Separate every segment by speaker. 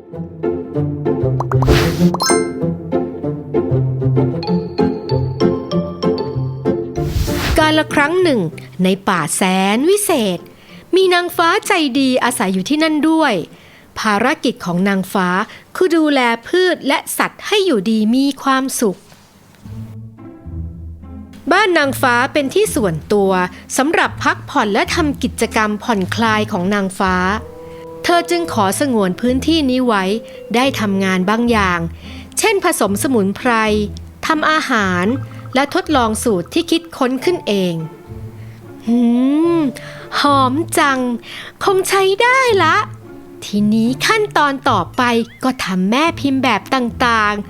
Speaker 1: กาลครั้งหนึ่งในป่าแสนวิเศษมีนางฟ้าใจดีอาศัยอยู่ที่นั่นด้วยภารกิจของนางฟ้าคือดูแลพืชและสัตว์ให้อยู่ดีมีความสุขบ้านนางฟ้าเป็นที่ส่วนตัวสำหรับพักผ่อนและทำกิจกรรมผ่อนคลายของนางฟ้าเธอจึงขอสงวนพื้นที่นี้ไว้ได้ทำงานบางอย่างเช่นผสมสมุนไพรทำอาหารและทดลองสูตรที่คิดค้นขึ้นเองหอมจังคงใช้ได้ละทีนี้ขั้นตอนต่อไปก็ทำแม่พิมพ์แบบต่าง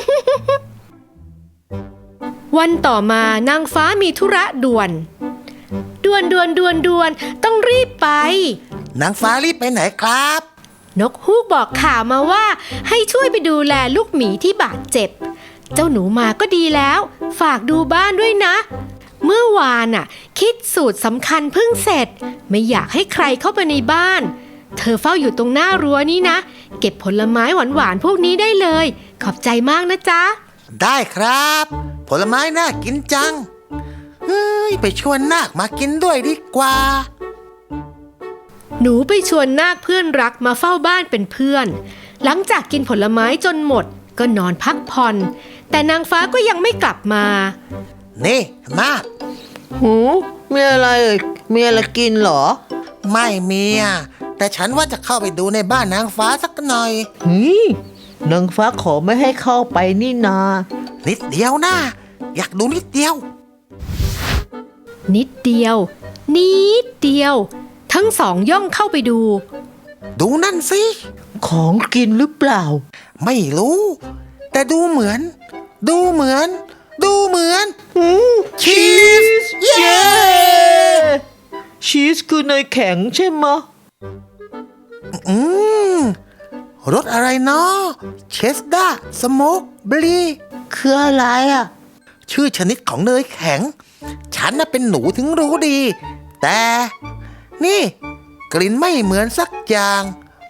Speaker 1: ๆ วันต่อมานางฟ้ามีธุระด่วนต้องรีบไป
Speaker 2: นางฟ้ารีบไปไหนครับ
Speaker 1: นกฮูกบอกข่าวมาว่าให้ช่วยไปดูแลลูกหมีที่บาดเจ็บเจ้าหนูมาก็ดีแล้วฝากดูบ้านด้วยนะเมื่อวานคิดสูตรสำคัญเพิ่งเสร็จไม่อยากให้ใครเข้าไปในบ้านเธอเฝ้าอยู่ตรงหน้ารั้วนี้นะเก็บผลไม้หวานๆพวกนี้ได้เลยขอบใจมากนะจ๊ะ
Speaker 2: ได้ครับผลไม้น่ากินจังไปชวนนาคมากินด้วยดีกว่า
Speaker 1: หนูไปชวนนาคเพื่อนรักมาเฝ้าบ้านเป็นเพื่อนหลังจากกินผลไม้จนหมดก็นอนพักผ่อนแต่นางฟ้าก็ยังไม่กลับมา
Speaker 2: นี่นาค
Speaker 3: มีอะไรมีอะไรกินเหรอ
Speaker 2: ไม่มีแต่ฉันว่าจะเข้าไปดูในบ้านนางฟ้าสักหน่อย
Speaker 3: นางฟ้าขอไม่ให้เข้าไปนี่นา
Speaker 2: นิดเดียวนะอยากดูนิดเดียว
Speaker 1: ทั้งสองย่องเข้าไปดู
Speaker 2: นั่นสิ
Speaker 3: ของกินหรือเปล่า
Speaker 2: ไม่รู้แต่ดูเหมือนชีสเย้
Speaker 3: ชีสคือเนยแข็งใช่ไหม
Speaker 2: รสอะไรเนาะเชสดาร์สโมกบลี
Speaker 3: คืออะไร
Speaker 2: ชื่อชนิดของเนยแข็งฉันเป็นหนูถึงรู้ดีแต่นี่กลิ่นไม่เหมือนสักอย่าง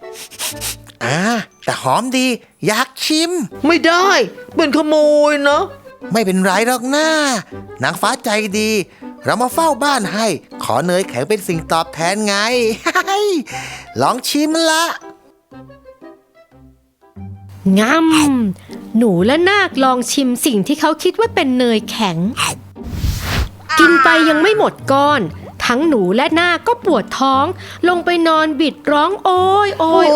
Speaker 2: แต่หอมดีอยากชิม
Speaker 3: ไม่ได้เป็นขโมยนะ
Speaker 2: ไม่เป็นไรหรอกนะนางฟ้าใจดีเรามาเฝ้าบ้านให้ขอเนยแข็งเป็นสิ่งตอบแทนไง ลองชิมละ
Speaker 1: หนูและนาคลองชิมสิ่งที่เขาคิดว่าเป็นเนยแข็งกินไปยังไม่หมดก้อนทั้งหนูและนาคก็ปวดท้องลงไปนอนบิดร้องโอยบุ้ง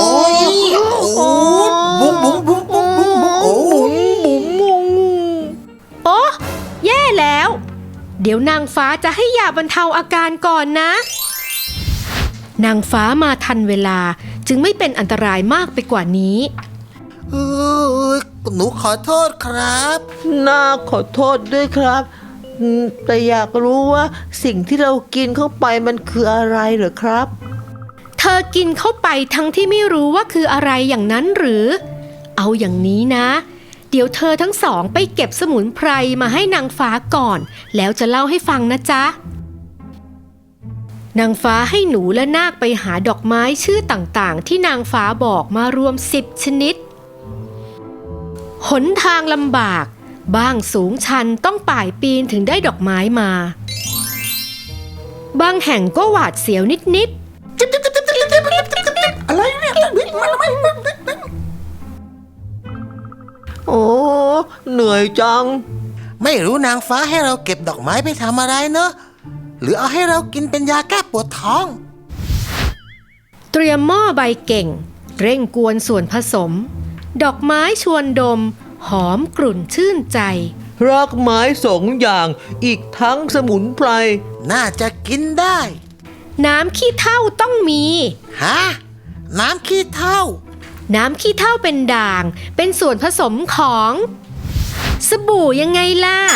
Speaker 1: โอ้แย่แล้วเดี๋ยวนางฟ้าจะให้ยาบรรเทาอาการก่อนนะนางฟ้ามาทันเวลาจึงไม่เป็นอันตรายมากไปกว่านี้
Speaker 2: หนูขอโทษครับ
Speaker 3: นาคขอโทษด้วยครับแต่อยากรู้ว่าสิ่งที่เรากินเข้าไปมันคืออะไรเหรอครับ
Speaker 1: เธอกินเข้าไปทั้งที่ไม่รู้ว่าคืออะไรอย่างนั้นหรือเอาอย่างนี้นะเดี๋ยวเธอทั้งสองไปเก็บสมุนไพรมาให้นางฟ้าก่อนแล้วจะเล่าให้ฟังนะจ๊ะนางฟ้าให้หนูและนาคไปหาดอกไม้ชื่อต่างๆที่นางฟ้าบอกมารวม10 ชนิดหนทางลำบากบ้างสูงชันต้องป่ายปีนถึงได้ดอกไม้มาบางแห่งก็หวาดเสียวนิด
Speaker 2: ๆอะไรเนี่ย
Speaker 3: โอ้เหนื่อยจัง
Speaker 2: ไม่รู้นางฟ้าให้เราเก็บดอกไม้ไปทำอะไรเนอะหรือเอาให้เรากินเป็นยาแก้ปวดท้อง
Speaker 1: เตรียมหม้อใบเก่งเร่งกวนส่วนผสมดอกไม้ชวนดมหอมกลุ่นชื่นใจ
Speaker 3: รากไม้2 อย่างอีกทั้งสมุนไพร
Speaker 2: น่าจะกินได้
Speaker 1: น้ำขี้เถ้าต้องมี
Speaker 2: น้ำขี้เถ้า
Speaker 1: เป็นด่างเป็นส่วนผสมของสบู่ยังไงล่ะ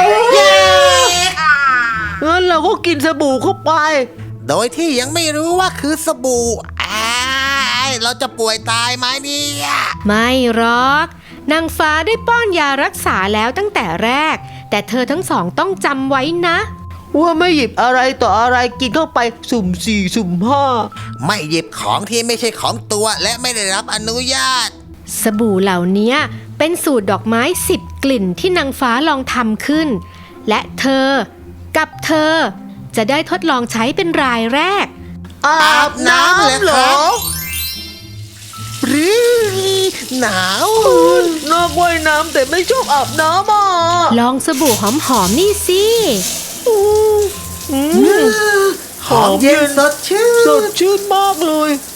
Speaker 3: งั้นเราก็กินสบู่เข้าไป
Speaker 2: โดยที่ยังไม่รู้ว่าคือสบู่เราจะป่วยตายไหมเนี่ย
Speaker 1: ไม่หรอกนางฟ้าได้ป้อนยารักษาแล้วตั้งแต่แรกแต่เธอทั้งสองต้องจำไว้นะ
Speaker 3: ว่าไม่หยิบอะไรต่ออะไรกินเข้าไปสุ่มสี่สุ่มห้า
Speaker 2: ไม่หยิบของที่ไม่ใช่ของตัวและไม่ได้รับอนุญาต
Speaker 1: สบู่เหล่านี้เป็นสูตรดอกไม้10 กลิ่นที่นางฟ้าลองทำขึ้น และเธอกับเธอจะได้ทดลองใช้เป็นรายแรก
Speaker 3: อาบน้ำเหรอ
Speaker 2: หรือหนาว
Speaker 3: นอกว่ายน้ำแต่ไม่ชอบอาบน้ำอ่ะ
Speaker 1: ลองสบู่หอมๆนี่สิ
Speaker 2: หอมเย็นสดชื่น
Speaker 3: สดชื่นมากเลย